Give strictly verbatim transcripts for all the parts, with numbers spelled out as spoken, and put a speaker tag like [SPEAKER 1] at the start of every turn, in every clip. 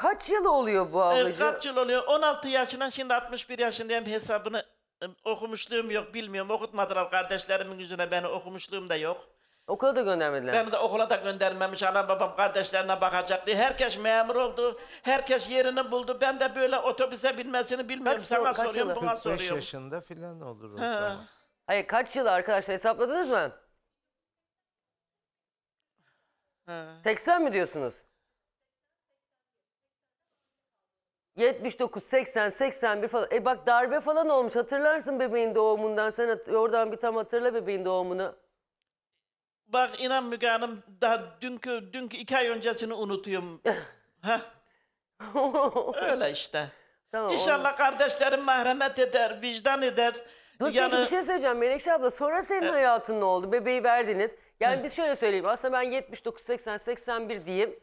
[SPEAKER 1] kaç yıl oluyor bu
[SPEAKER 2] Ee,
[SPEAKER 1] ablacığım?
[SPEAKER 2] kaç yıl oluyor? on altı yaşından şimdi altmış bir yaşındayım, hesabını e, okumuşluğum yok, bilmiyorum. Okutmadılar kardeşlerimin yüzüne, beni okumuşluğum da yok.
[SPEAKER 1] Okula da göndermediler.
[SPEAKER 2] Beni de okula da göndermemiş, anam babam kardeşlerine bakacak diye. Herkes memur oldu, herkes yerini buldu. Ben de böyle otobüse binmesini bilmiyorum.
[SPEAKER 1] Kaç
[SPEAKER 2] Sana
[SPEAKER 1] yıl- kaç
[SPEAKER 2] soruyorum,
[SPEAKER 1] yılı?
[SPEAKER 2] buna
[SPEAKER 3] kırk beş
[SPEAKER 2] soruyorum.
[SPEAKER 3] yaşında filan olur o
[SPEAKER 2] Ha.
[SPEAKER 3] zaman.
[SPEAKER 1] Hayır kaç yıl arkadaşlar hesapladınız mı?
[SPEAKER 2] Ha.
[SPEAKER 1] seksen mi diyorsunuz? yetmiş dokuz, seksen, seksen bir falan. E bak darbe falan olmuş. Hatırlarsın bebeğin doğumundan. Sen hat- oradan bir tam hatırla bebeğin doğumunu.
[SPEAKER 2] Bak inan Müge Hanım, daha dünkü, dünkü iki ay öncesini unutuyorum. Heh, öyle işte.
[SPEAKER 1] Tamam,
[SPEAKER 2] İnşallah kardeşlerim merhamet eder, vicdan eder.
[SPEAKER 1] Dur peki bir şey söyleyeceğim Menekşe abla. Sonra senin hayatın ne oldu? Bebeği verdiniz. Yani biz şöyle söyleyeyim. Aslında ben yetmiş dokuz, seksen, seksen bir diyeyim.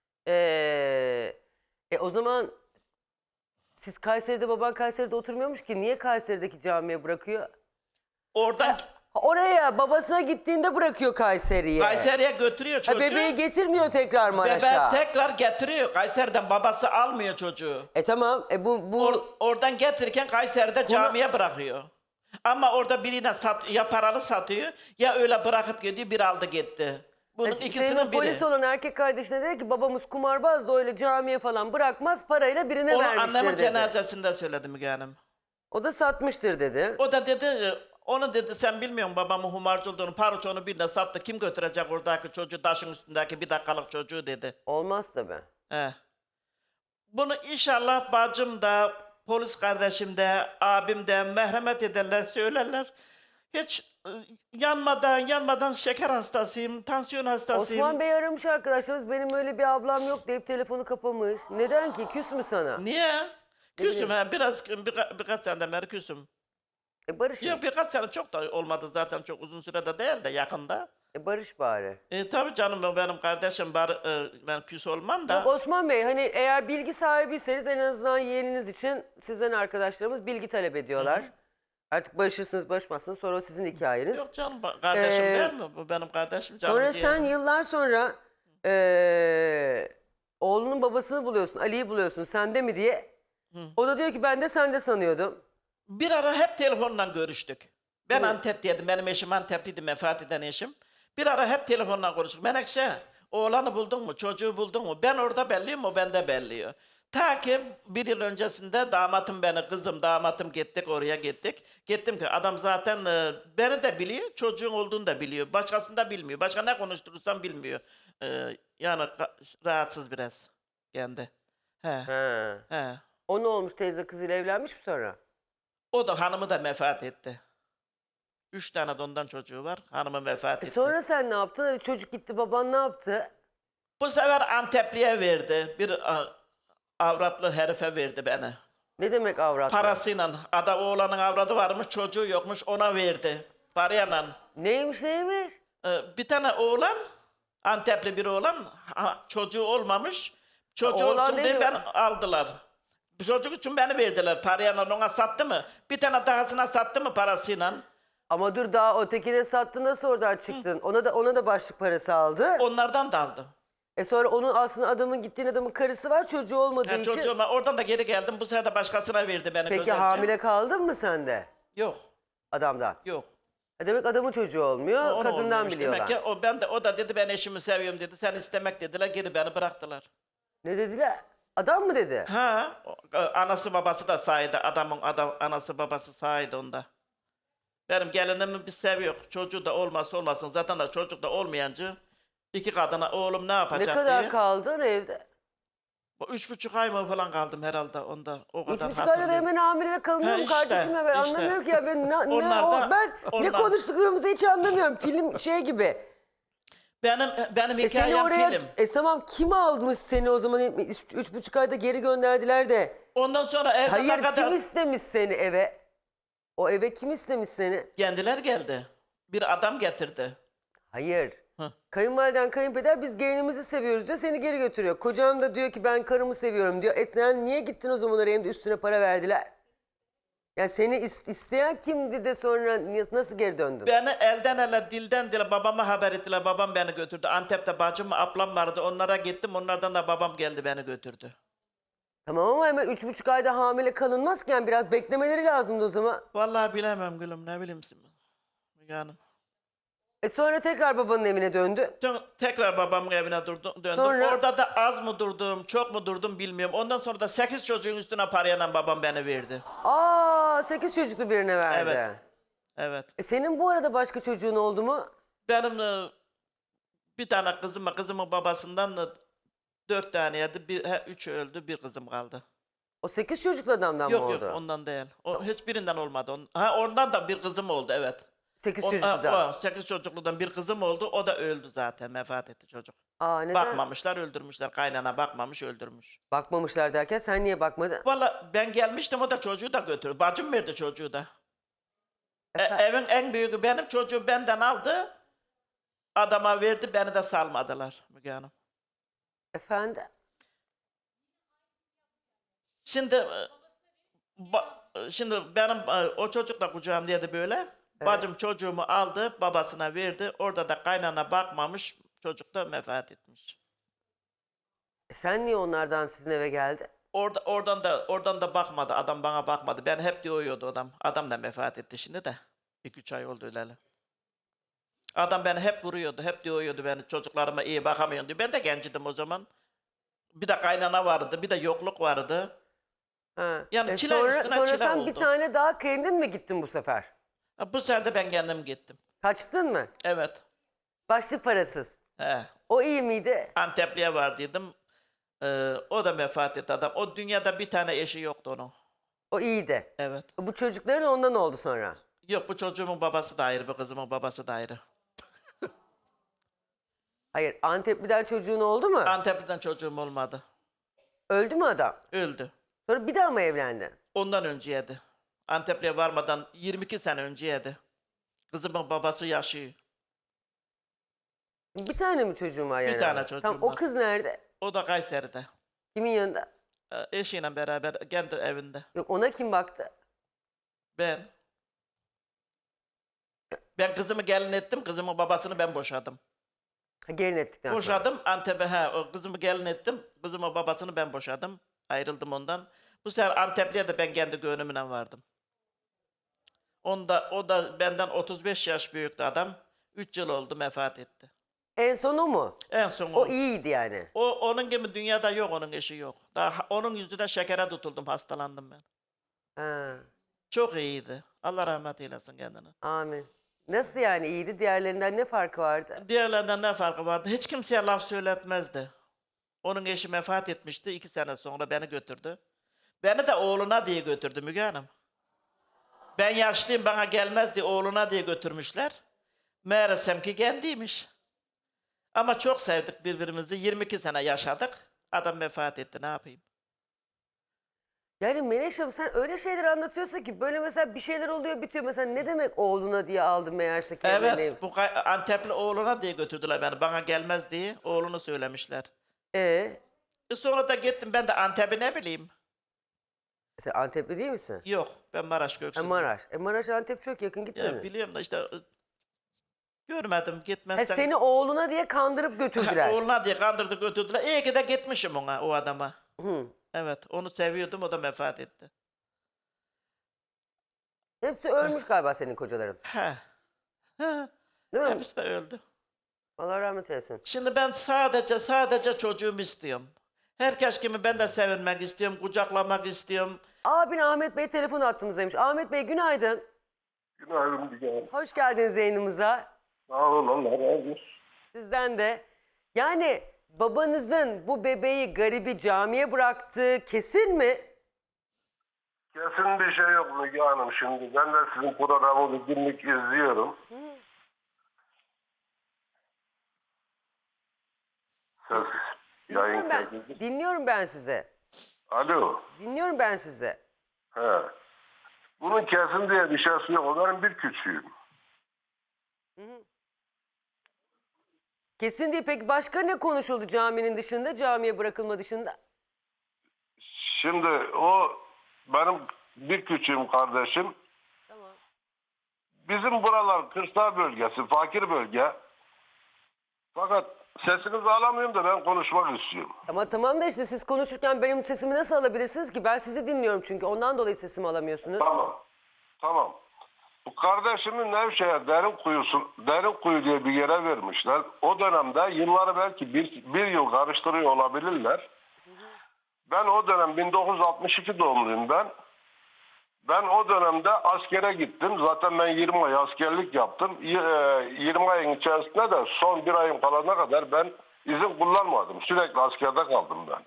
[SPEAKER 1] Ee, e o zaman siz Kayseri'de, baban Kayseri'de oturmuyormuş ki. Niye Kayseri'deki camiye bırakıyor?
[SPEAKER 2] Oradan
[SPEAKER 1] Oraya babasına gittiğinde bırakıyor Kayseri'ye.
[SPEAKER 2] Kayseri'ye götürüyor
[SPEAKER 1] Ha,
[SPEAKER 2] çocuğu.
[SPEAKER 1] bebeği getirmiyor tekrar Maraş'a.
[SPEAKER 2] Bebeği tekrar getiriyor. Kayseri'den babası almıyor çocuğu.
[SPEAKER 1] E tamam. E bu bu
[SPEAKER 2] Or- oradan getirirken Kayseri'de camiye bırakıyor. Ama orada birine sat, ya paralı satıyor ya öyle bırakıp gidiyor, bir aldı gitti. Bunun
[SPEAKER 1] e, senin
[SPEAKER 2] ikisinin
[SPEAKER 1] o
[SPEAKER 2] biri.
[SPEAKER 1] polis olan erkek kardeşine dedi ki babamız kumarbaz da öyle camiye falan bırakmaz, parayla birine
[SPEAKER 2] Onu
[SPEAKER 1] vermiştir
[SPEAKER 2] annemin
[SPEAKER 1] dedi.
[SPEAKER 2] cenazesinde söyledi Müge Hanım.
[SPEAKER 1] O da satmıştır dedi.
[SPEAKER 2] O da dedi, e, onu dedi sen bilmiyorsun babamın humarcı olduğunu, paruçonu birine sattı. Kim götürecek oradaki çocuğu, taşın üstündeki bir dakikalık çocuğu dedi.
[SPEAKER 1] Olmaz tabii.
[SPEAKER 2] He. Bunu inşallah bacım da, polis kardeşim de, abim de merhamet ederler, söylerler. Hiç e, yanmadan, yanmadan şeker hastasıyım, tansiyon hastasıyım.
[SPEAKER 1] Osman Bey aramış arkadaşlarımız, benim öyle bir ablam yok deyip telefonu kapamış. Neden ki? Küs mü sana?
[SPEAKER 2] Niye? Küsüm
[SPEAKER 1] bileyim.
[SPEAKER 2] ha, biraz, birka, birkaç seneden beri küsüm.
[SPEAKER 1] E barış.
[SPEAKER 2] Yok birkaç sene çok da olmadı zaten, çok uzun sürede değil de yakında.
[SPEAKER 1] E barış bari.
[SPEAKER 2] E, tabii canım, o benim kardeşim, bar, e, ben küs olmam da.
[SPEAKER 1] Yok Osman Bey, hani eğer bilgi sahibiyseniz en azından yeğeniniz için sizden arkadaşlarımız bilgi talep ediyorlar. Artık barışırsınız barışmazsınız sonra o sizin hikayeniz.
[SPEAKER 2] Yok canım, ba- kardeşim
[SPEAKER 1] Ee,
[SPEAKER 2] değil mi? Bu benim kardeşim. Canım
[SPEAKER 1] Sonra
[SPEAKER 2] ciğerim.
[SPEAKER 1] sen yıllar sonra eee, oğlunun babasını buluyorsun, Ali'yi buluyorsun, sende mi diye. O da diyor ki ben de sende sanıyordum.
[SPEAKER 2] Bir ara hep telefonla görüştük. Ben
[SPEAKER 1] Evet.
[SPEAKER 2] Antep'teydim, benim eşim Antepliydi, vefat eden eşim. Bir ara hep telefonla konuştuk. Menekşe, oğlanı buldun mu, çocuğu buldun mu? Ben orada belliyim, o bende belliyor. Ta ki bir yıl öncesinde damatım beni, kızım damatım gittik, oraya gittik. Gittim ki adam zaten e, beni de biliyor, çocuğun olduğunu da biliyor. Başkasını da bilmiyor. Başka ne konuşturursam bilmiyor. E, yani ka- rahatsız biraz kendi. He,
[SPEAKER 1] He.
[SPEAKER 2] he.
[SPEAKER 1] O ne olmuş, teyze kızıyla evlenmiş mi sonra?
[SPEAKER 2] O da hanımı da vefat etti. Üç tane de ondan çocuğu var. Hanımı vefat
[SPEAKER 1] E
[SPEAKER 2] etti.
[SPEAKER 1] sonra sen ne yaptın? Hadi çocuk gitti, baban ne yaptı?
[SPEAKER 2] Bu sefer Antepli'ye verdi. Bir a, avratlı herife verdi beni.
[SPEAKER 1] Ne demek avrat?
[SPEAKER 2] Parasıyla. Ada oğlanın avradı varmış, çocuğu yokmuş, ona verdi. Parayla.
[SPEAKER 1] Neymiş neymiş?
[SPEAKER 2] Ee, bir tane oğlan, Antepli bir oğlan, ha, çocuğu olmamış. Çocuğu
[SPEAKER 1] Oğlan
[SPEAKER 2] olsun diye
[SPEAKER 1] dedi-
[SPEAKER 2] ben aldılar. Bu çocuk için beni verdiler. Parayla ona sattı mı? Bir tane dahasına sattı mı parasıyla?
[SPEAKER 1] Ama dur, daha ötekine sattın, nasıl oradan çıktın? Ona da ona da başlık parası aldı.
[SPEAKER 2] Onlardan da aldı.
[SPEAKER 1] E sonra onun aslında adamın gittiğin adamın karısı var, çocuğu olmadığı
[SPEAKER 2] Ha,
[SPEAKER 1] için.
[SPEAKER 2] çocuğuma oradan da geri geldim. Bu sefer de başkasına verdi beni.
[SPEAKER 1] Peki
[SPEAKER 2] güzelce.
[SPEAKER 1] hamile kaldın mı sen de
[SPEAKER 2] Yok,
[SPEAKER 1] adamdan?
[SPEAKER 2] yok.
[SPEAKER 1] E demek adamın çocuğu olmuyor,
[SPEAKER 2] O- onu
[SPEAKER 1] kadından
[SPEAKER 2] olmuyormuş.
[SPEAKER 1] biliyorlar.
[SPEAKER 2] Demek ki o, ben de, o da dedi ben eşimi seviyorum dedi. Sen istemek dediler, geri beni bıraktılar.
[SPEAKER 1] Ne dediler? Adam mı dedi?
[SPEAKER 2] Ha, o- anası babası da sahide. Adamın adam, anası babası sahide onda. Benim gelinimi bir seviyor. Çocuğu da olmazsa olmasın. Zaten da çocuk da olmayancı iki kadına oğlum ne
[SPEAKER 1] Ne
[SPEAKER 2] yapacak
[SPEAKER 1] kadar
[SPEAKER 2] diye.
[SPEAKER 1] kaldın evde?
[SPEAKER 2] Bu Üç buçuk ay mı falan kaldım herhalde onda. O
[SPEAKER 1] Üç
[SPEAKER 2] kadar
[SPEAKER 1] buçuk ayda da
[SPEAKER 2] hatırlıyorum.
[SPEAKER 1] hemen hamile kalınıyor
[SPEAKER 2] Ha,
[SPEAKER 1] mu
[SPEAKER 2] işte,
[SPEAKER 1] kardeşim ya? Ben
[SPEAKER 2] işte.
[SPEAKER 1] anlamıyorum ki ya. Ben, ne, ne
[SPEAKER 2] Onlar
[SPEAKER 1] o,
[SPEAKER 2] da-
[SPEAKER 1] ben ne
[SPEAKER 2] onlar-
[SPEAKER 1] konuştuklarımızı hiç anlamıyorum. Film şey gibi.
[SPEAKER 2] Benim benim
[SPEAKER 1] E seni
[SPEAKER 2] hikayem
[SPEAKER 1] oraya,
[SPEAKER 2] film.
[SPEAKER 1] e tamam, kim almış seni o zaman? Üç, üç buçuk ayda geri gönderdiler de.
[SPEAKER 2] Ondan sonra evde
[SPEAKER 1] Hayır,
[SPEAKER 2] ne kadar...
[SPEAKER 1] kim istemiş seni eve? O eve kim istemiş seni?
[SPEAKER 2] Kendiler geldi. Bir adam getirdi.
[SPEAKER 1] Hayır.
[SPEAKER 2] Hı.
[SPEAKER 1] Kayınvaliden, kayınpeder biz gelinimizi seviyoruz diyor, seni geri götürüyor. Kocan da diyor ki ben karımı seviyorum diyor. E sen niye gittin o zaman oraya, hem de üstüne para verdiler? Ya seni is- isteyen kimdi de sonra niye- nasıl geri döndün?
[SPEAKER 2] Beni elden ele, dilden dile babama haber ettiler. Babam beni götürdü. Antep'te bacım, ablam vardı. Onlara gittim. Onlardan da babam geldi beni götürdü.
[SPEAKER 1] Tamam ama hemen üç buçuk ayda hamile kalınmazken biraz beklemeleri lazımdı o zaman.
[SPEAKER 2] Vallahi bilemem gülüm, ne bileyim. Müge Hanım.
[SPEAKER 1] E sonra tekrar babanın evine döndü.
[SPEAKER 2] Dön- Tekrar babamın evine durdum, döndüm.
[SPEAKER 1] Sonra?
[SPEAKER 2] Orada da az mı durdum, çok mu durdum bilmiyorum. Ondan sonra da sekiz çocuğun üstüne parayla babam beni verdi.
[SPEAKER 1] Aa sekiz çocuklu birine verdi.
[SPEAKER 2] Evet. Evet.
[SPEAKER 1] E senin bu arada başka çocuğun oldu mu?
[SPEAKER 2] Benim e, bir tane kızım var. Kızımın babasından da dört taneydi. Bir, he, üç öldü, bir kızım kaldı.
[SPEAKER 1] O sekiz çocuklu adamdan
[SPEAKER 2] Yok
[SPEAKER 1] mı oldu?
[SPEAKER 2] yok, ondan değil. O hiçbirinden olmadı. On- ha, ondan da bir kızım oldu, evet.
[SPEAKER 1] Sekiz
[SPEAKER 2] On,
[SPEAKER 1] çocukludan.
[SPEAKER 2] ha, o, sekiz çocukludan bir kızım oldu. O da öldü zaten. Vefat etti çocuk.
[SPEAKER 1] Aa neden?
[SPEAKER 2] Bakmamışlar, öldürmüşler. Kaynana bakmamış, öldürmüş.
[SPEAKER 1] Bakmamışlar derken sen niye bakmadın?
[SPEAKER 2] Valla ben gelmiştim, o da çocuğu da götürdü. Bacım verdi çocuğu da. E,
[SPEAKER 1] Efe-
[SPEAKER 2] evin en büyüğü benim, çocuğu benden aldı. Adama verdi, beni de salmadılar Müge Hanım.
[SPEAKER 1] Efendim?
[SPEAKER 2] Şimdi e, ba- şimdi benim e, o çocuk da kucağımdaydı böyle. Bacım çocuğumu aldı, babasına verdi. Orada da kaynana bakmamış, çocuk da vefat etmiş.
[SPEAKER 1] E sen niye onlardan sizin eve geldin?
[SPEAKER 2] Orada oradan da oradan da bakmadı. Adam bana bakmadı. Ben hep diyordu adam. Adam da vefat etti şimdi de. iki üç ay oldu öyle. Adam beni hep vuruyordu. Hep diyordu beni, çocuklarıma iyi bakamıyorsun diyor. Ben de gencidim o zaman. Bir de kaynana vardı, bir de yokluk vardı.
[SPEAKER 1] Ha.
[SPEAKER 2] Yani
[SPEAKER 1] E
[SPEAKER 2] çile
[SPEAKER 1] sonra,
[SPEAKER 2] üstüne
[SPEAKER 1] sonra
[SPEAKER 2] çile
[SPEAKER 1] sen bir
[SPEAKER 2] oldu.
[SPEAKER 1] tane daha kendin mi gittin bu sefer?
[SPEAKER 2] Ha, bu sefer de ben kendim gittim.
[SPEAKER 1] Kaçtın mı?
[SPEAKER 2] Evet.
[SPEAKER 1] Başlık parasız.
[SPEAKER 2] He.
[SPEAKER 1] O iyi miydi?
[SPEAKER 2] Antepli'ye vardıydım. Ee, o da vefat etti adam. O dünyada bir tane eşi yoktu onun.
[SPEAKER 1] O iyiydi.
[SPEAKER 2] Evet.
[SPEAKER 1] Bu çocukların ondan oldu sonra.
[SPEAKER 2] Yok, bu çocuğumun babası da ayrı, bu kızımın babası da ayrı.
[SPEAKER 1] Hayır Antepli'den çocuğun oldu mu?
[SPEAKER 2] Antepli'den çocuğum olmadı.
[SPEAKER 1] Öldü mü adam?
[SPEAKER 2] Öldü.
[SPEAKER 1] Sonra bir daha mı evlendin?
[SPEAKER 2] Ondan önceydi. Antepli'ye varmadan yirmi iki sene önceydi. Kızımın babası yaşıyor.
[SPEAKER 1] Bir tane mi çocuğun var yani?
[SPEAKER 2] tane çocuğum
[SPEAKER 1] Tamam, o
[SPEAKER 2] var.
[SPEAKER 1] kız nerede?
[SPEAKER 2] O da Kayseri'de.
[SPEAKER 1] Kimin yanında?
[SPEAKER 2] Ee, Eşiyle beraber kendi evinde.
[SPEAKER 1] Yok ona kim baktı?
[SPEAKER 2] Ben. Ben kızımı gelin ettim. Kızımın babasını ben boşadım.
[SPEAKER 1] Ha, gelin ettikten sonra.
[SPEAKER 2] Boşadım. Antep'e he, o kızımı gelin ettim. Kızımın babasını ben boşadım. Ayrıldım ondan. Bu sefer Antepli'ye de ben kendi gönlümle vardım. Onda, o da benden otuz beş yaş büyüktü adam. üç yıl oldu, vefat etti.
[SPEAKER 1] En son o mu?
[SPEAKER 2] En son
[SPEAKER 1] O
[SPEAKER 2] o.
[SPEAKER 1] iyiydi yani.
[SPEAKER 2] O onun gibi dünyada yok, onun eşi yok. Daha onun yüzünden şekere tutuldum, hastalandım ben.
[SPEAKER 1] Ha,
[SPEAKER 2] Çok iyiydi. Allah rahmet eylesin kendine.
[SPEAKER 1] amin. Nasıl yani iyiydi? Diğerlerinden ne farkı vardı?
[SPEAKER 2] Diğerlerinden ne farkı vardı? Hiç kimseye laf söyletmezdi. Onun eşi vefat etmişti. iki sene sonra beni götürdü. Beni de oğluna diye götürdü Müge Hanım. Ben yaşlıyım, bana gelmez diye oğluna diye götürmüşler. Meğersem ki kendiymiş. Ama çok sevdik birbirimizi. yirmi iki sene yaşadık. Adam vefat etti, ne yapayım?
[SPEAKER 1] Yani Menekşe sen öyle şeyler anlatıyorsun ki böyle mesela bir şeyler oluyor bitiyor. Mesela ne demek oğluna diye aldım meğerse kendini.
[SPEAKER 2] Evet, bu kay- Antepli oğluna diye götürdüler beni. Bana gelmez diye oğlunu söylemişler.
[SPEAKER 1] Ee,
[SPEAKER 2] E sonra da gittim, ben de Antep'i ne bileyim.
[SPEAKER 1] sen Antepli değil misin?
[SPEAKER 2] Yok, ben Maraş
[SPEAKER 1] Ha,
[SPEAKER 2] Göksu'luyum.
[SPEAKER 1] Maraş. E Maraş Antep çok yakın
[SPEAKER 2] Ya
[SPEAKER 1] gitmedin.
[SPEAKER 2] biliyorum da işte e, görmedim,
[SPEAKER 1] Ha,
[SPEAKER 2] gitmezsen.
[SPEAKER 1] seni oğluna diye kandırıp götürdüler.
[SPEAKER 2] Oğluna diye kandırdı götürdüler. İyi ki de gitmişim ona, o adama.
[SPEAKER 1] Hı.
[SPEAKER 2] Evet, onu seviyordum, o da vefat etti.
[SPEAKER 1] Hepsi ölmüş galiba senin kocaların.
[SPEAKER 2] He. He.
[SPEAKER 1] Değil mi?
[SPEAKER 2] Hepsi de öldü.
[SPEAKER 1] Allah rahmet eylesin.
[SPEAKER 2] Şimdi ben sadece sadece çocuğumu istiyorum. Herkes gibi ben de sevinmek istiyorum, kucaklamak istiyorum.
[SPEAKER 1] Abin Ahmet Bey telefon attığımızdaymış. Ahmet Bey günaydın.
[SPEAKER 3] Günaydın Müge Hanım.
[SPEAKER 1] Hoş geldiniz yayınımıza.
[SPEAKER 3] Sağ olun, Allah razı olsun.
[SPEAKER 1] Sizden de. Yani babanızın bu bebeği garibi camiye bıraktığı kesin mi?
[SPEAKER 3] Kesin bir şey yok Müge Hanım şimdi. Ben de sizin programı günlük izliyorum. Ses yayın
[SPEAKER 1] Dinliyorum ben,
[SPEAKER 3] kaydı.
[SPEAKER 1] dinliyorum ben size.
[SPEAKER 3] Alo.
[SPEAKER 1] Dinliyorum ben size.
[SPEAKER 3] He. Bunun kesin diye bir şeysi yok. O benim bir küçüğüm.
[SPEAKER 1] Kesin değil. Peki başka ne konuşuldu caminin dışında, camiye bırakılma dışında?
[SPEAKER 3] Şimdi o benim bir küçüğüm kardeşim.
[SPEAKER 1] Tamam.
[SPEAKER 3] Bizim buralar kırsal bölgesi, fakir bölge. Fakat sesinizi alamıyorum da ben konuşmak istiyorum.
[SPEAKER 1] Ama tamam da işte siz konuşurken benim sesimi nasıl alabilirsiniz ki? Ben sizi dinliyorum çünkü ondan dolayı sesimi alamıyorsunuz.
[SPEAKER 3] Tamam. Tamam. Bu kardeşimin Nevşehir derin kuyusu, derin kuyu diye bir yere vermişler. O dönemde yılları belki bir, bir yıl karıştırıyor olabilirler. Ben o dönem bin dokuz yüz altmış iki doğumluyum ben. Ben o dönemde askere gittim. Zaten ben yirmi ay askerlik yaptım. Y- e, yirmi ayın içerisinde de son bir ayın kalana kadar ben izin kullanmadım. Sürekli askerde kaldım ben.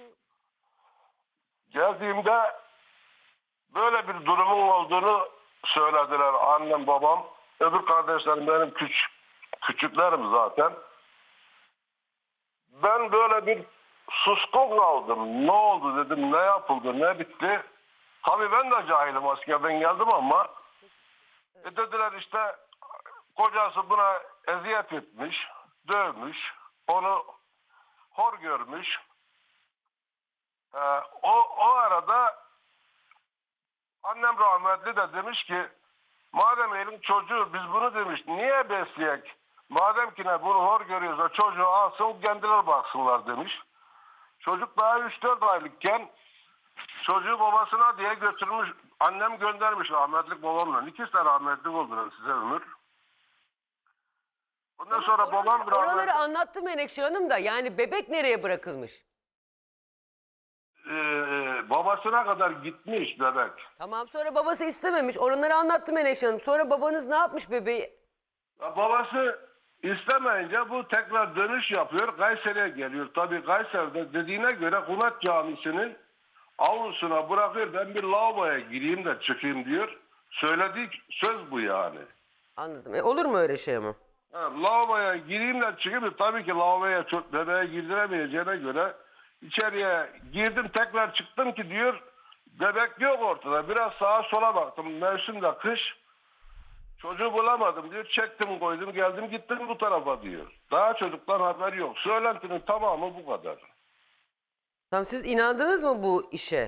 [SPEAKER 3] Geldiğimde böyle bir durumun olduğunu söylediler annem babam. Öbür kardeşlerim benim küçük, küçüklerim zaten. Ben böyle bir suskun kaldım. Ne oldu dedim, ne yapıldı, ne bitti. Tabii ben de cahilim, askerden geldim ama e dediler işte kocası buna eziyet etmiş, dövmüş, onu hor görmüş. Ee, o, o arada annem rahmetli de demiş ki madem elin çocuğu biz bunu demiş niye besleyek? Madem ki ne bunu hor görüyorsa çocuğu alsın kendileri baksınlar demiş. Çocuk daha üç dört aylıkken çocuğu babasına diye götürmüş. Annem göndermiş rahmetlik babamla. İkisi de rahmetlik oldular size ömür. Ondan sonra babam
[SPEAKER 1] Oraları,
[SPEAKER 3] rahmetli.
[SPEAKER 1] oraları anlattı Menekşe Hanım da yani bebek nereye bırakılmış?
[SPEAKER 3] Ee, babasına kadar gitmiş bebek.
[SPEAKER 1] Tamam sonra babası istememiş. Oraları anlattı Menekşe Hanım. Sonra babanız ne yapmış bebeği?
[SPEAKER 3] Ya babası istemeyince bu tekrar dönüş yapıyor. Kayseri'ye geliyor. Tabii Kayseri'de dediğine göre Hunat Camisi'nin avlusuna bırakıyor. Ben bir lavaboya gireyim de çıkayım diyor. Söylediği söz bu yani.
[SPEAKER 1] Anladım. E, olur mu öyle şey ama?
[SPEAKER 3] Ha, lavaboya gireyim de çıkayım. Tabii ki lavaboya çok bebeğe girdiremeyeceğine göre içeriye girdim tekrar çıktım ki diyor bebek yok ortada. Biraz sağa sola baktım. Mevsim de kış. Çocuğu bulamadım diyor. Çektim koydum geldim gittim bu tarafa diyor. Daha çocuktan haber yok. Söylentinin tamamı bu kadar.
[SPEAKER 1] Tamam siz inandınız mı bu işe?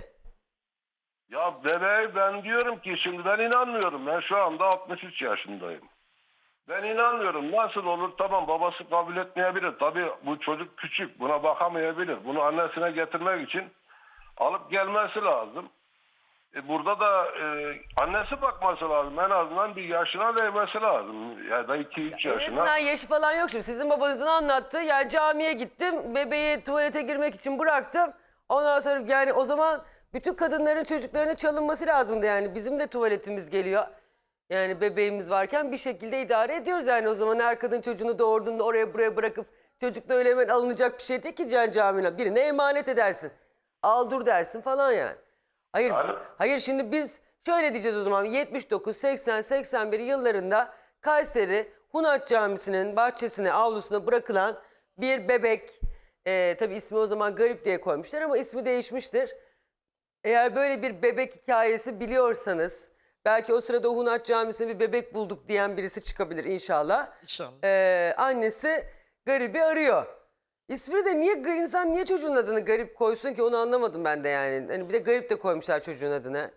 [SPEAKER 3] Ya bebeği ben diyorum ki şimdi ben inanmıyorum. Ben şu anda altmış üç yaşındayım. Ben inanmıyorum. Nasıl olur? Tamam babası kabul etmeyebilir. Tabii bu çocuk küçük. Buna bakamayabilir. Bunu annesine getirmek için alıp gelmesi lazım. E burada da e, annesi bakması lazım. En azından bir yaşına değmesi lazım. Ya da iki üç
[SPEAKER 1] En
[SPEAKER 3] yaşına.
[SPEAKER 1] azından yaşı falan yok şimdi. Sizin babanızın anlattığı yani camiye gittim. Bebeği tuvalete girmek için bıraktım. Ondan sonra yani o zaman bütün kadınların çocuklarına çalınması lazımdı yani. Bizim de tuvaletimiz geliyor. Yani bebeğimiz varken bir şekilde idare ediyoruz yani. O zaman her kadın çocuğunu doğurduğunda oraya buraya bırakıp çocuk da öyle hemen alınacak bir şey değil ki can camine. Birine emanet edersin. Al dur dersin falan yani. Hayır,
[SPEAKER 3] Yani-
[SPEAKER 1] hayır şimdi biz şöyle diyeceğiz o zaman yetmiş dokuz, seksen, seksen bir yıllarında Kayseri Hunat Camisi'nin bahçesine, avlusuna bırakılan bir bebek, e, tabii ismi o zaman Garip diye koymuşlar ama ismi değişmiştir. Eğer böyle bir bebek hikayesi biliyorsanız, belki o sırada Hunat Camisi'ne bir bebek bulduk diyen birisi çıkabilir inşallah.
[SPEAKER 2] İnşallah.
[SPEAKER 1] Ee, annesi Garip'i arıyor. İsmini de niye insan niye çocuğun adını Garip koysun ki onu anlamadım ben de yani. Hani bir de Garip de koymuşlar çocuğun adını.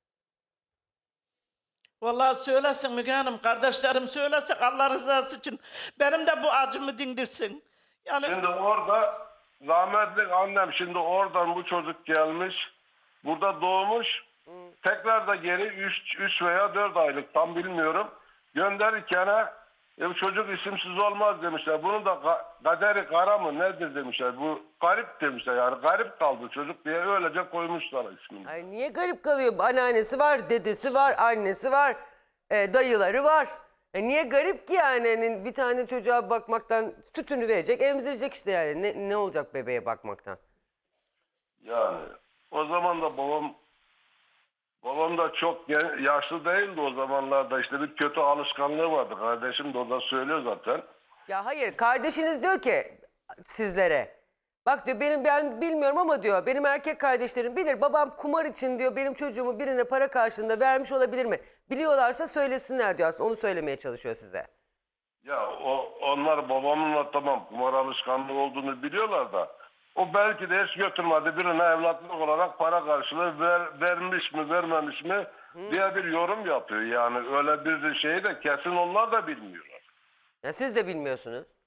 [SPEAKER 2] Vallahi söylesin Müge Hanım, kardeşlerim söylesin Allah rızası için. Benim de bu acımı dindirsin. Yani
[SPEAKER 3] Şimdi orada rahmetli annem şimdi oradan bu çocuk gelmiş. Burada doğmuş. Tekrar da geri üç veya dört aylık tam bilmiyorum. Gönderirken e, bu çocuk isimsiz olmaz demişler. Bunun da ka- kaderi kara mı nedir demişler. Bu garip demişler yani garip kaldı çocuk diye öylece koymuşlar ismini.
[SPEAKER 1] Ay niye Garip kalıyor? Anneannesi var, dedesi var, annesi var, e, dayıları var. E niye garip ki yani? Hani bir tane çocuğa bakmaktan sütünü verecek, emzirecek işte yani. Ne, ne olacak bebeğe bakmaktan?
[SPEAKER 3] Yani o zaman da babam babam da çok gen- yaşlı değildi o zamanlarda işte bir kötü alışkanlığı vardı. Kardeşim de o da söylüyor zaten.
[SPEAKER 1] Ya hayır, kardeşiniz diyor ki sizlere. Bak diyor benim ben bilmiyorum ama diyor benim erkek kardeşlerim bilir. Babam kumar için diyor benim çocuğumu birine para karşılığında vermiş olabilir mi? Biliyorlarsa söylesinler diyor aslında onu söylemeye çalışıyor size.
[SPEAKER 3] Ya o onlar babamınla tamam kumar alışkanlığı olduğunu biliyorlar da o belki de hiç götürmedi birine evlatlık olarak para karşılığı ver, vermiş mi vermemiş mi diye bir yorum yapıyor. Yani öyle bir şeyi de kesin onlar da bilmiyorlar.
[SPEAKER 1] Ya siz de bilmiyorsunuz.
[SPEAKER 3] Ya ben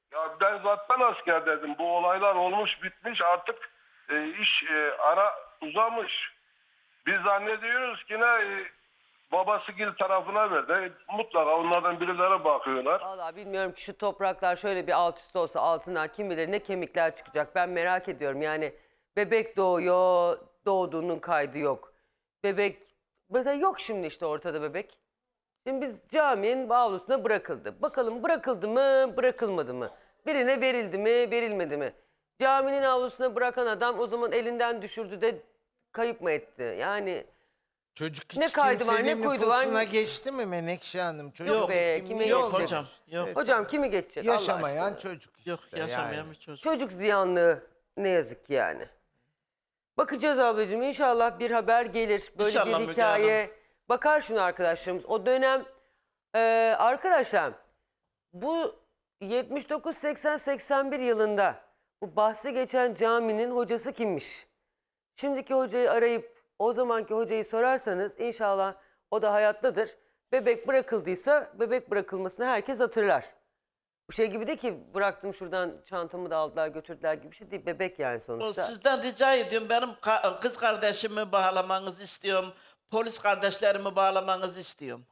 [SPEAKER 3] sen zaten askerdeydin. Bu olaylar olmuş bitmiş artık e, iş e, ara uzamış. Biz zannediyoruz ki ne e, babası gil tarafına verdi. Mutlaka onlardan birileri bakıyorlar.
[SPEAKER 1] Vallahi bilmiyorum ki şu topraklar şöyle bir alt üst olsa altından kim bilir ne kemikler çıkacak. Ben merak ediyorum yani bebek doğuyor, doğduğunun kaydı yok. Bebek mesela yok şimdi işte ortada bebek. Şimdi biz caminin avlusuna bırakıldı. Bakalım bırakıldı mı, bırakılmadı mı? Birine verildi mi, verilmedi mi? Caminin avlusuna bırakan adam o zaman elinden düşürdü de kayıp mı etti? Yani
[SPEAKER 4] Çocuk hiç
[SPEAKER 1] Ne kaydı var, ne
[SPEAKER 4] kimsenin
[SPEAKER 1] kuydu var,
[SPEAKER 4] nüfusuna
[SPEAKER 1] ne-
[SPEAKER 4] geçti mi Menekşe Hanım? Çocuk
[SPEAKER 2] Yok
[SPEAKER 1] be,
[SPEAKER 4] kimliği
[SPEAKER 1] kime
[SPEAKER 2] Yok
[SPEAKER 1] geçecek?
[SPEAKER 2] hocam. Yok.
[SPEAKER 1] hocam kimi geçecek Allah
[SPEAKER 4] Yaşamayan
[SPEAKER 1] aşkına?
[SPEAKER 4] çocuk işte.
[SPEAKER 2] Yok yaşamayan
[SPEAKER 4] yani.
[SPEAKER 2] bir çocuk.
[SPEAKER 1] Çocuk ziyanlığı ne yazık ki yani. Bakacağız ablacığım inşallah bir haber gelir. Böyle
[SPEAKER 2] İnşallah
[SPEAKER 1] bir
[SPEAKER 2] Müge
[SPEAKER 1] hikaye. Bakar şunu arkadaşlarımız. O dönem e, arkadaşlar bu yetmiş dokuz seksen seksen bir yılında bu bahsi geçen caminin hocası kimmiş? Şimdiki hocayı arayıp o zamanki hocayı sorarsanız inşallah o da hayattadır. Bebek bırakıldıysa bebek bırakılmasını herkes hatırlar. Bu şey gibi değil ki bıraktım şuradan çantamı da aldılar götürdüler gibi bir şey değil. Bebek yani
[SPEAKER 2] O
[SPEAKER 1] sonuçta.
[SPEAKER 2] sizden rica ediyorum. Benim ka- kız kardeşimi bağlamanızı istiyorum. Polis kardeşlerimi bağlamanızı istiyorum.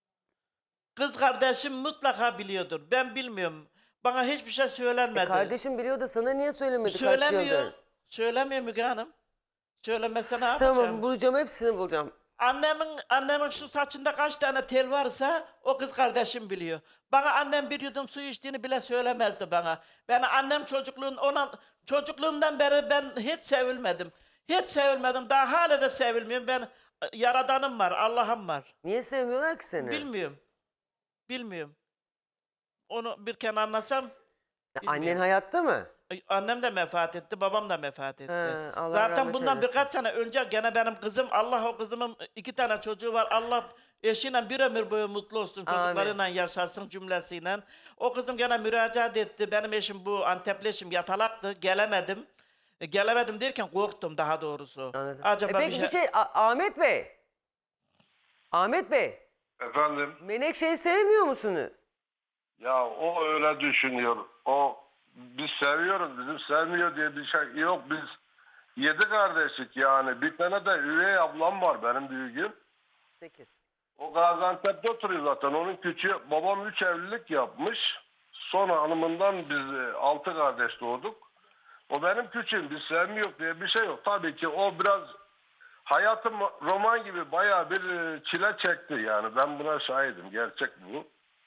[SPEAKER 2] Kız kardeşim mutlaka biliyordur. Ben bilmiyorum. Bana hiçbir şey söylenmedi.
[SPEAKER 1] E kardeşim biliyor da sana niye söylemedi kaç
[SPEAKER 2] Söylemiyor.
[SPEAKER 1] yıldır?
[SPEAKER 2] Söylemiyor Müge Hanım. Söylemese ne yapacağım?
[SPEAKER 1] Tamam bulacağım hepsini bulacağım.
[SPEAKER 2] Annemin annemin şu saçında kaç tane tel varsa o kız kardeşim biliyor. Bana annem bir yudum su içtiğini bile söylemezdi bana. Ben annem çocukluğun ona çocukluğumdan beri ben hiç sevilmedim. Hiç sevilmedim. Daha hala da sevilmiyorum. Ben yaradanım var, Allah'ım var.
[SPEAKER 1] Niye sevmiyorlar ki seni?
[SPEAKER 2] Bilmiyorum. Bilmiyorum. Onu bir kere anlasam
[SPEAKER 1] Ya annen
[SPEAKER 2] bilmiyorum.
[SPEAKER 1] hayatta mı?
[SPEAKER 2] Ay, annem de vefat etti, babam da vefat etti.
[SPEAKER 1] He, Allah
[SPEAKER 2] Zaten
[SPEAKER 1] rahmet
[SPEAKER 2] bundan
[SPEAKER 1] eylesin.
[SPEAKER 2] birkaç sene önce gene benim kızım, Allah o kızımın iki tane çocuğu var. Allah eşiyle bir ömür boyu mutlu olsun,
[SPEAKER 1] Amin.
[SPEAKER 2] çocuklarıyla yaşasın cümlesiyle. O kızım gene müracaat etti. Benim eşim bu Antepli eşim yatalaktı, gelemedim. E, gelemedim derken korktum daha doğrusu.
[SPEAKER 1] Anladım.
[SPEAKER 2] Acaba
[SPEAKER 1] e peki
[SPEAKER 2] bir şey...
[SPEAKER 1] bir şey A- Ahmet Bey. Ahmet Bey.
[SPEAKER 3] Efendim?
[SPEAKER 1] Menekşe'yi sevmiyor musunuz?
[SPEAKER 3] Ya o öyle düşünüyor. O biz seviyoruz. Bizim sevmiyor diye bir şey yok. Biz yedi kardeşik yani. Bir tane de üvey ablam var benim büyüğüm.
[SPEAKER 1] Sekiz.
[SPEAKER 3] O Gaziantep'te oturuyor zaten. Onun küçüğü. Babam üç evlilik yapmış. Sonra hanımından biz e, altı kardeş doğduk. O benim küçüğüm. Biz sevmiyor diye bir şey yok. Tabii ki o biraz hayatım roman gibi bayağı bir e, çile çekti yani. Ben buna şahidim. Gerçek bu.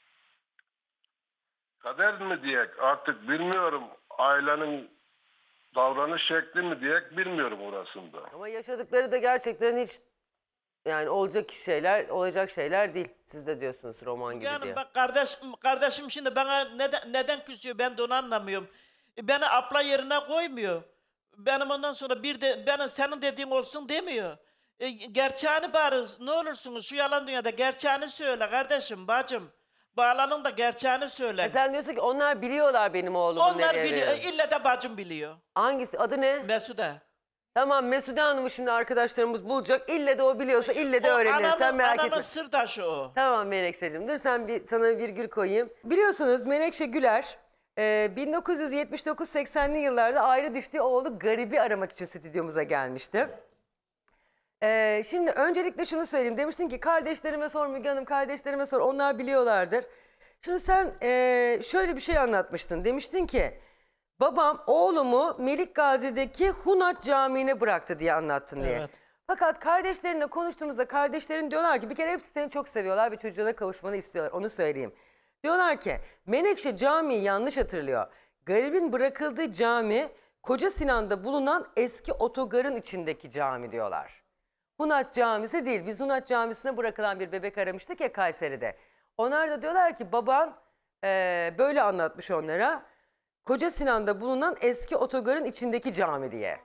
[SPEAKER 3] Kader mi diyek artık bilmiyorum. Ailenin davranış şekli mi diyek bilmiyorum orasında.
[SPEAKER 1] Ama yaşadıkları da gerçekten hiç yani olacak şeyler, olacak şeyler değil. Siz de diyorsunuz roman gibi
[SPEAKER 2] Yani
[SPEAKER 1] diye.
[SPEAKER 2] bak kardeşim, kardeşim şimdi bana neden, neden küsüyor ben de onu anlamıyorum. E, Beni abla yerine koymuyor. Benim ondan sonra bir de benim senin dediğin olsun demiyor. E, gerçeğini bari ne olursunuz şu yalan dünyada gerçeğini söyle kardeşim bacım. Bağlanın da gerçeğini söyle.
[SPEAKER 1] E sen diyorsun ki onlar biliyorlar benim oğlumun
[SPEAKER 2] Onlar
[SPEAKER 1] nereye
[SPEAKER 2] biliyor.
[SPEAKER 1] verildiğini.
[SPEAKER 2] İlle de bacım biliyor.
[SPEAKER 1] Hangisi? Adı ne?
[SPEAKER 2] Mesude.
[SPEAKER 1] Tamam Mesude Hanım'ı şimdi arkadaşlarımız bulacak. İlle de o biliyorsa ille de öğrenir. Sen
[SPEAKER 2] anamın,
[SPEAKER 1] merak
[SPEAKER 2] anamın
[SPEAKER 1] etme.
[SPEAKER 2] sırdaşı o.
[SPEAKER 1] Tamam Menekşe'cim dur sen bir, sana virgül koyayım. Biliyorsunuz Menekşe Güler e, bin dokuz yüz yetmiş dokuz seksenli yıllarda ayrı düştüğü oğlu Garibi aramak için stüdyomuza gelmişti. E, şimdi öncelikle şunu söyleyeyim. Demiştin ki kardeşlerime sor Müge Hanım, kardeşlerime sor onlar biliyorlardır. Şimdi sen e, şöyle bir şey anlatmıştın. Demiştin ki babam oğlumu Melik Gazi'deki Hunat Camii'ne bıraktı diye anlattın diye.
[SPEAKER 2] Evet.
[SPEAKER 1] Fakat kardeşlerinle konuştuğumuzda kardeşlerin diyorlar ki bir kere hepsi seni çok seviyorlar ve çocuğuna kavuşmanı istiyorlar. Onu söyleyeyim. Diyorlar ki Menekşe Camii yanlış hatırlıyor. Garibin bırakıldığı cami Koca Sinan'da bulunan eski otogarın içindeki cami diyorlar. Hunat Camisi değil. Biz Hunat Camisi'ne bırakılan bir bebek aramıştık ya Kayseri'de. Onlar da diyorlar ki baban eee, böyle anlatmış onlara. Koca Sinan'da bulunan eski otogarın içindeki cami diye.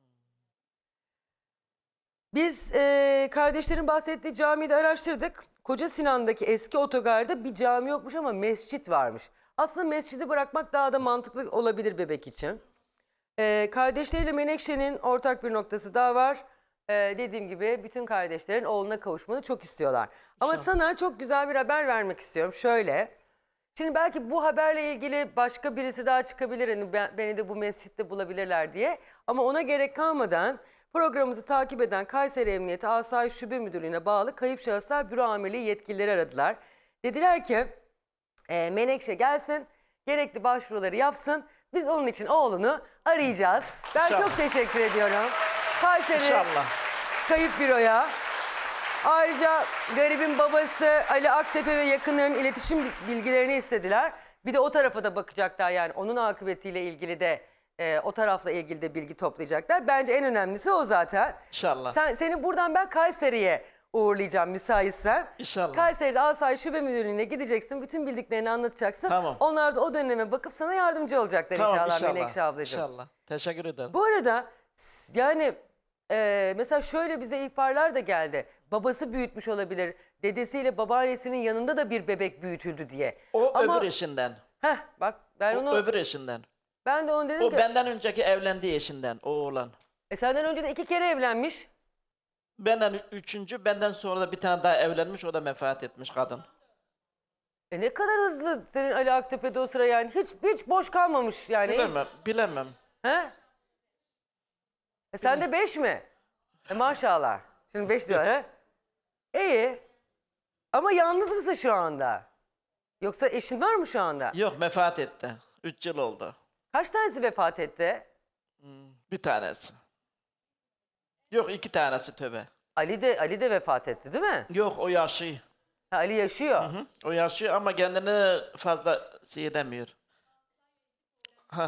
[SPEAKER 1] Biz eee, kardeşlerin bahsettiği camiyi de araştırdık. Koca Sinan'daki eski otogarda bir cami yokmuş ama mescit varmış. Aslında mescidi bırakmak daha da mantıklı olabilir bebek için. Eee, kardeşleriyle Menekşe'nin ortak bir noktası daha var. Ee, dediğim gibi bütün kardeşlerin oğluna kavuşmanı çok istiyorlar. Ama sana çok güzel bir haber vermek istiyorum. Şöyle, Şimdi belki bu haberle ilgili başka birisi daha çıkabilir. Hani ben- beni de bu mescitte bulabilirler diye. Ama ona gerek kalmadan programımızı takip eden Kayseri Emniyeti Asayiş Şube Müdürlüğü'ne bağlı Kayıp Şahıslar Büro Amirliği yetkilileri aradılar. Dediler ki e, Menekşe gelsin, gerekli başvuruları yapsın. Biz onun için oğlunu arayacağız. Ben
[SPEAKER 2] İnşallah.
[SPEAKER 1] çok teşekkür ediyorum. Kayseri
[SPEAKER 2] İnşallah.
[SPEAKER 1] Kayıp Büro'ya. Ayrıca garibin babası Ali Aktepe ve yakınlarının iletişim bilgilerini istediler. Bir de o tarafa da bakacaklar, yani onun akıbetiyle ilgili de e, o tarafla ilgili de bilgi toplayacaklar. Bence en önemlisi o zaten.
[SPEAKER 2] İnşallah.
[SPEAKER 1] Sen, seni buradan ben Kayseri'ye uğurlayacağım müsaitsen.
[SPEAKER 2] İnşallah.
[SPEAKER 1] Kayseri'de Asayiş Şube Müdürlüğü'ne gideceksin. Bütün bildiklerini anlatacaksın.
[SPEAKER 2] Tamam.
[SPEAKER 1] Onlar da o döneme bakıp sana yardımcı olacaklar
[SPEAKER 2] Tamam,
[SPEAKER 1] inşallah,
[SPEAKER 2] inşallah.
[SPEAKER 1] Menekşe ablacığım.
[SPEAKER 2] İnşallah. Teşekkür ederim.
[SPEAKER 1] Bu arada s- yani e, mesela şöyle bize ihbarlar da geldi. Babası büyütmüş olabilir. Dedesiyle babaannesinin yanında da bir bebek büyütüldü diye.
[SPEAKER 2] O
[SPEAKER 1] Ama,
[SPEAKER 2] öbür eşinden.
[SPEAKER 1] heh, bak ben
[SPEAKER 2] O
[SPEAKER 1] onu
[SPEAKER 2] öbür eşinden.
[SPEAKER 1] ben de onu dedim
[SPEAKER 2] O
[SPEAKER 1] ki
[SPEAKER 2] benden önceki evlendiği eşinden, o oğlan.
[SPEAKER 1] e, senden önce de iki kere evlenmiş.
[SPEAKER 2] Benden üçüncü, benden sonra da bir tane daha evlenmiş, o da vefat etmiş kadın.
[SPEAKER 1] E ne kadar hızlı senin Ali Aktepe'de o sıra, yani hiç hiç boş kalmamış yani.
[SPEAKER 2] Bilemem, bilemem.
[SPEAKER 1] He? E sen de beş mi? E maşallah. Şimdi beş diyorlar ha? İyi. Ama yalnız mısın şu anda? Yoksa eşin var mı şu anda?
[SPEAKER 2] Yok, vefat etti. Üç yıl oldu.
[SPEAKER 1] Kaç tanesi vefat etti?
[SPEAKER 2] Bir tanesi. Yok, iki tanesi tövbe.
[SPEAKER 1] Ali de Ali de vefat etti değil mi?
[SPEAKER 2] Yok, o yaşıyor.
[SPEAKER 1] Ha, Ali yaşıyor.
[SPEAKER 2] Hı, o yaşıyor ama kendini fazla şey edemiyor. Ha.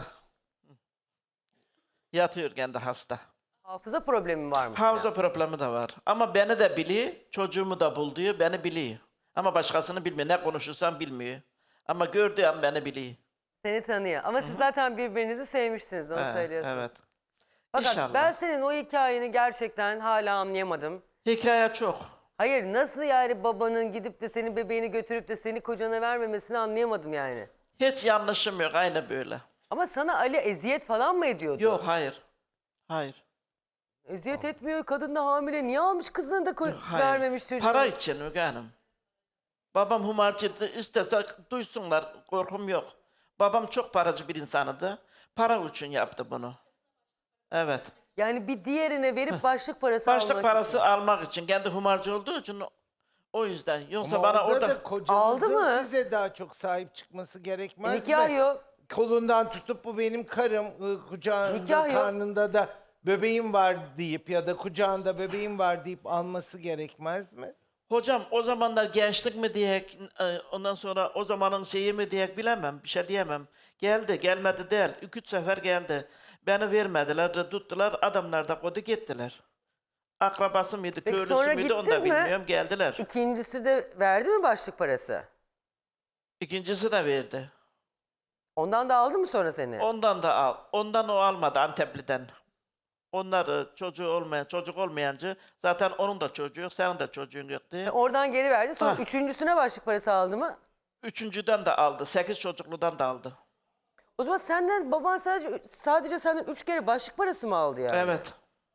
[SPEAKER 2] Yatıyor kendi hasta.
[SPEAKER 1] Hafıza problemi var mı?
[SPEAKER 2] Hafıza problemi de var. Ama beni de biliyor, çocuğumu da bul diyor, beni biliyor. Ama başkasını bilmiyor. Ne konuşursam bilmiyor. Ama gördüğü an beni biliyor.
[SPEAKER 1] Seni tanıyor. Ama siz zaten birbirinizi sevmişsiniz, onu
[SPEAKER 2] He,
[SPEAKER 1] söylüyorsunuz.
[SPEAKER 2] Evet.
[SPEAKER 1] Fakat
[SPEAKER 2] İnşallah.
[SPEAKER 1] ben senin o hikayeni gerçekten hala anlayamadım.
[SPEAKER 2] Hikaye çok.
[SPEAKER 1] Hayır, nasıl yani babanın gidip de senin bebeğini götürüp de seni kocana vermemesini anlayamadım yani.
[SPEAKER 2] Hiç yanlışım yok, aynı böyle.
[SPEAKER 1] Ama sana Ali eziyet falan mı ediyordu?
[SPEAKER 2] Yok, hayır. Hayır.
[SPEAKER 1] Eziyet etmiyor, kadın da hamile. Niye almış kızını da ko-
[SPEAKER 2] Hayır.
[SPEAKER 1] vermemiş çocuğu?
[SPEAKER 2] Para için Müge Hanım. Babam humarcıydı, istese duysunlar, korkum yok. Babam çok paracı bir insanıydı. Para için yaptı bunu. Evet.
[SPEAKER 1] Yani bir diğerine verip başlık parası
[SPEAKER 2] Başlık
[SPEAKER 1] almak
[SPEAKER 2] parası
[SPEAKER 1] için.
[SPEAKER 2] almak için. Kendi humarcı olduğu için o- o yüzden. Yoksa
[SPEAKER 4] Ama
[SPEAKER 2] bana
[SPEAKER 4] orada
[SPEAKER 2] orada...
[SPEAKER 4] da kocanızın
[SPEAKER 1] Aldı mı?
[SPEAKER 4] size daha çok sahip çıkması gerekmez
[SPEAKER 1] Nikah
[SPEAKER 4] mi?
[SPEAKER 1] yok.
[SPEAKER 4] Kolundan tutup bu benim karım, ı, kucağında,
[SPEAKER 1] Nikah yok.
[SPEAKER 4] karnında da bebeğim var deyip ya da kucağında bebeğim var deyip alması gerekmez mi?
[SPEAKER 2] Hocam o zamanlar gençlik mi diyek, e, ondan sonra o zamanın şeyi mi diyek bilemem, bir şey diyemem. Geldi, gelmedi değil. İki üç sefer geldi. Beni vermediler, de tuttular, adamlar da kodu gittiler. Akrabası mıydı,
[SPEAKER 1] Peki
[SPEAKER 2] köylüsü
[SPEAKER 1] sonra
[SPEAKER 2] müydü onu
[SPEAKER 1] gittin
[SPEAKER 2] da
[SPEAKER 1] mi?
[SPEAKER 2] bilmiyorum, geldiler.
[SPEAKER 1] İkincisi de verdi mi başlık parası?
[SPEAKER 2] İkincisi de verdi.
[SPEAKER 1] Ondan da aldı mı sonra seni?
[SPEAKER 2] Ondan da al. Ondan o almadı Antepli'den. Onlar e, çocuğu olmayan, çocuk olmayancı, zaten onun da çocuğu yok, senin de çocuğun yok diye.
[SPEAKER 1] Oradan geri verdi. Sonra
[SPEAKER 2] Ha.
[SPEAKER 1] üçüncüsüne başlık parası aldı mı?
[SPEAKER 2] Üçüncüden de aldı, sekiz çocukludan da aldı.
[SPEAKER 1] O zaman senden baban sadece sadece senden üç kere başlık parası mı aldı yani?
[SPEAKER 2] Evet.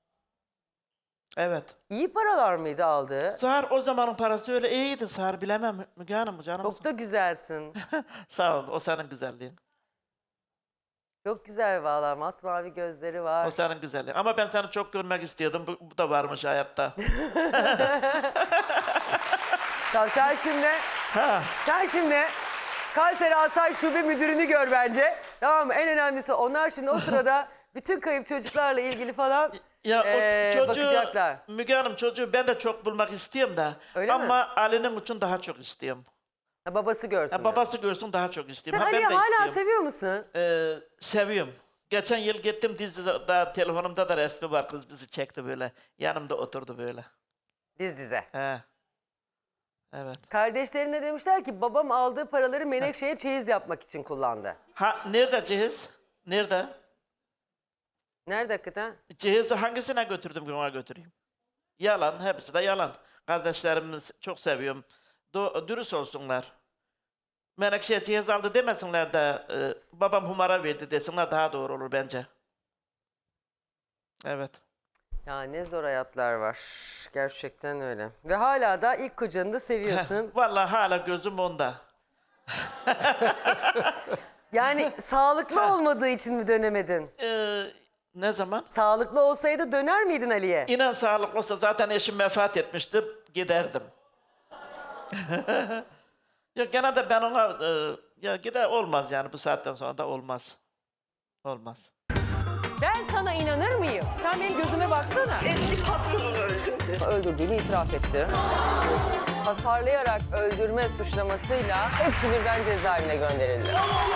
[SPEAKER 2] Evet.
[SPEAKER 1] İyi paralar mıydı aldığı?
[SPEAKER 2] Sağır o zamanın parası öyle iyiydi Sağır, bilemem Müge Hanım canım.
[SPEAKER 1] Çok da güzelsin.
[SPEAKER 2] Sağ ol, o senin güzelliğin.
[SPEAKER 1] Çok güzel vallahi, masmavi gözleri var.
[SPEAKER 2] O senin güzelliğin. Ama ben seni çok görmek istiyordum, bu, bu da varmış hayatta.
[SPEAKER 1] Tamam, sen şimdi
[SPEAKER 2] Ha.
[SPEAKER 1] sen şimdi Kayseri Asayiş Şube Müdürünü gör bence. Tamam mı? En önemlisi onlar şimdi o sırada bütün kayıp çocuklarla ilgili falan
[SPEAKER 2] Ya
[SPEAKER 1] eee,
[SPEAKER 2] o çocuğu,
[SPEAKER 1] bakacaklar.
[SPEAKER 2] Müge Hanım çocuğu ben de çok bulmak istiyorum da.
[SPEAKER 1] Öyle mi?
[SPEAKER 2] ama Ali'nin için daha çok istiyorum.
[SPEAKER 1] Ha, babası görsün.
[SPEAKER 2] Ya babası görsün daha çok
[SPEAKER 1] Sen
[SPEAKER 2] istiyorum. Ha,
[SPEAKER 1] Ali'yi
[SPEAKER 2] ben de
[SPEAKER 1] hala
[SPEAKER 2] istiyorum.
[SPEAKER 1] seviyor musun?
[SPEAKER 2] Ee, seviyorum. Geçen yıl gittim dizide, telefonumda da resmi var, kız bizi çekti böyle. Yanımda oturdu böyle.
[SPEAKER 1] Diz dize.
[SPEAKER 2] He. Evet.
[SPEAKER 1] Kardeşlerine demişler ki babam aldığı paraları Menekşe'ye çeyiz yapmak için kullandı.
[SPEAKER 2] Ha, nerede cehiz? Nerede?
[SPEAKER 1] Nerede hakikaten?
[SPEAKER 2] Cehizi hangisine götürdüm ki ona götüreyim? Yalan, hepsi de yalan. Kardeşlerimi çok seviyorum. Do- dürüst olsunlar. Menekşe'ye cehiz aldı demesinler de e, babam humara verdi desinler, daha doğru olur bence. Evet.
[SPEAKER 1] Ya ne zor hayatlar var. Gerçekten öyle. Ve hala da ilk kocanı da seviyorsun.
[SPEAKER 2] Vallahi hala gözüm onda.
[SPEAKER 1] Yani sağlıklı olmadığı için mi dönemedin?
[SPEAKER 2] Ee, ne zaman?
[SPEAKER 1] Sağlıklı olsaydı döner miydin Ali'ye?
[SPEAKER 2] İnan sağlık olsa zaten eşim vefat etmişti, giderdim. Yok gene de ben ona, e, ya gider olmaz yani bu saatten sonra da olmaz. Olmaz.
[SPEAKER 1] Ben sana inanır mıyım? Sen benim gözüme baksana.
[SPEAKER 5] Eski patronunu öldürdü.
[SPEAKER 1] Öldürdüğünü itiraf etti. Hasarlayarak öldürme suçlamasıyla hepsi birden cezaevine gönderildi.